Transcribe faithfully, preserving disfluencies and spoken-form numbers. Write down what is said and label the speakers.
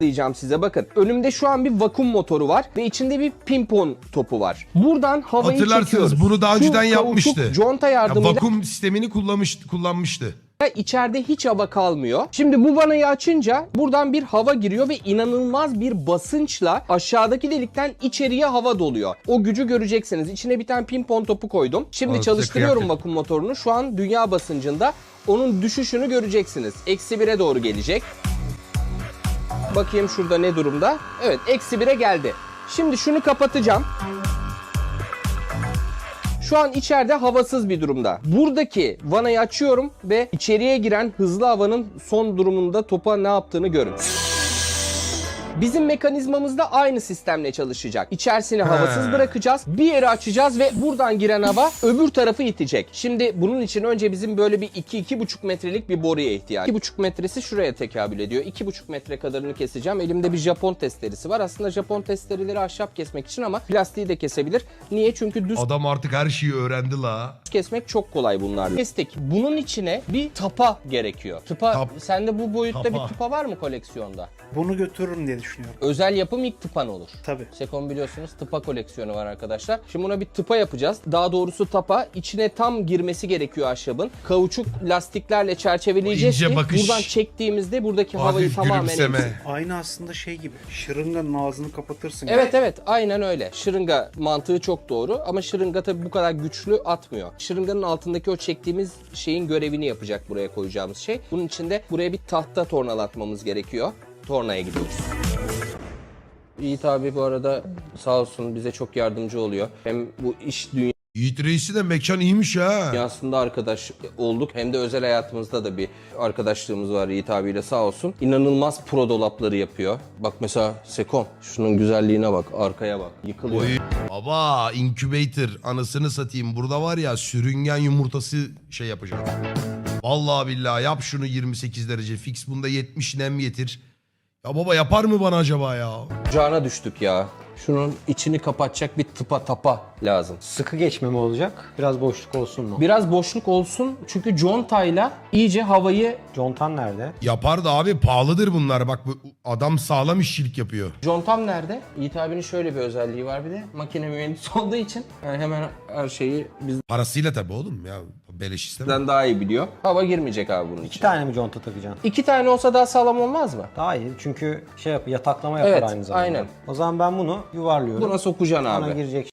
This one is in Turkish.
Speaker 1: diyeceğim size, bakın. Önümde şu an bir vakum motoru var ve içinde bir pimpon topu var. Buradan havayı
Speaker 2: Hatırlarsınız,
Speaker 1: çekiyoruz.
Speaker 2: bunu daha
Speaker 1: Şu
Speaker 2: önceden
Speaker 1: kauçuk
Speaker 2: yapmıştı.
Speaker 1: conta
Speaker 2: Ya,
Speaker 1: yardımıyla
Speaker 2: vakum sistemini kullanmış, kullanmıştı.
Speaker 1: içeride hiç hava kalmıyor. Şimdi bu vanayı açınca buradan bir hava giriyor ve inanılmaz bir basınçla aşağıdaki delikten içeriye hava doluyor. O gücü göreceksiniz. İçine bir tane pimpon topu koydum. Şimdi
Speaker 2: Aa,
Speaker 1: çalıştırıyorum
Speaker 2: kıyak
Speaker 1: vakum motorunu. Şu an dünya basıncında onun düşüşünü göreceksiniz. Eksi bire doğru gelecek. Bakayım şurada ne durumda. Evet, eksi bire geldi. Şimdi şunu kapatacağım. Şu an içeride havasız bir durumda. Buradaki vanayı açıyorum ve içeriye giren hızlı havanın son durumunda topa ne yaptığını görün. Bizim mekanizmamız da aynı sistemle çalışacak. İçerisini havasız bırakacağız. Bir yeri açacağız ve buradan giren hava öbür tarafı itecek. Şimdi bunun için önce bizim böyle bir iki iki buçuk metrelik bir boruya ihtiyaç. iki buçuk metresi şuraya tekabül ediyor. iki buçuk metre kadarını keseceğim. Elimde bir Japon testeresi var. Aslında Japon testereleri ahşap kesmek için ama plastiği de kesebilir. Niye? Çünkü düz
Speaker 2: Adam artık her şeyi öğrendi la.
Speaker 1: kesmek çok kolay bunlarla. Kestik. Bunun içine bir tapa gerekiyor. Tıpa,
Speaker 2: Tap.
Speaker 1: sende bu boyutta
Speaker 2: Tapa.
Speaker 1: bir tıpa var mı koleksiyonda?
Speaker 3: Bunu götürürüm diye düşünüyorum.
Speaker 1: Özel yapım ilk tıpan olur.
Speaker 3: Tabii.
Speaker 1: Sekon biliyorsunuz tıpa koleksiyonu var arkadaşlar. Şimdi buna bir tıpa yapacağız. Daha doğrusu tapa. İçine tam girmesi gerekiyor ahşabın. Kauçuk lastiklerle çerçeveleyeceğiz
Speaker 2: İnce
Speaker 1: ki
Speaker 2: bakış.
Speaker 1: buradan çektiğimizde buradaki havayı
Speaker 2: Hafif
Speaker 1: tamamen
Speaker 2: gülümseme.
Speaker 1: emsin.
Speaker 3: Aynı aslında şey gibi. Şırınganın ağzını kapatırsın. gibi.
Speaker 1: Evet evet, aynen öyle. Şırınga mantığı çok doğru ama şırınga tabii bu kadar güçlü atmıyor. Şırınganın altındaki o çektiğimiz şeyin görevini yapacak buraya koyacağımız şey. Bunun için de buraya bir tahta tornalatmamız gerekiyor. Tornaya gidiyoruz. Yiğit abi bu arada sağ olsun bize çok yardımcı oluyor. Hem bu iş
Speaker 2: Yiğit Reis'i de mekan iyiymiş ha.
Speaker 1: dünyasında arkadaş olduk hem de özel hayatımızda da bir arkadaşlığımız var Yiğit abiyle, sağ olsun. İnanılmaz pro dolapları yapıyor. Bak mesela Sekon, şunun güzelliğine bak, arkaya bak, yıkılıyor.
Speaker 2: Oy. Baba incubator anasını satayım. Burada var ya sürüngen yumurtası şey yapacağım. Vallahi billahi yap şunu yirmi sekiz derece fix, bunda yetmiş nem getir. Ya baba yapar mı bana acaba ya?
Speaker 1: Cana düştük ya. Şunun içini kapatacak bir tıpa tapa lazım.
Speaker 4: Sıkı geçme mi olacak? Biraz boşluk olsun mu?
Speaker 1: Biraz boşluk olsun çünkü contayla iyice havayı...
Speaker 4: Contan nerede?
Speaker 2: Yapar da abi pahalıdır bunlar. Bak bu adam sağlam işçilik yapıyor.
Speaker 1: Contam nerede? Yiğit abinin şöyle bir özelliği var bir de. Makine mühendisi olduğu için yani hemen her şeyi
Speaker 2: Parasıyla tabii oğlum ya. Beleş istemem.
Speaker 1: bizden daha iyi biliyor. Hava girmeyecek abi bunun
Speaker 4: İki
Speaker 1: için.
Speaker 4: tane mi conta takacaksın?
Speaker 1: İki tane olsa daha sağlam olmaz mı?
Speaker 4: Daha iyi çünkü şey yap, yataklama yapar
Speaker 1: Evet,
Speaker 4: aynı zamanda.
Speaker 1: aynen.
Speaker 4: O zaman ben bunu yuvarlıyorum.
Speaker 1: Buna sokacaksın
Speaker 4: Bana
Speaker 1: abi.
Speaker 4: girecek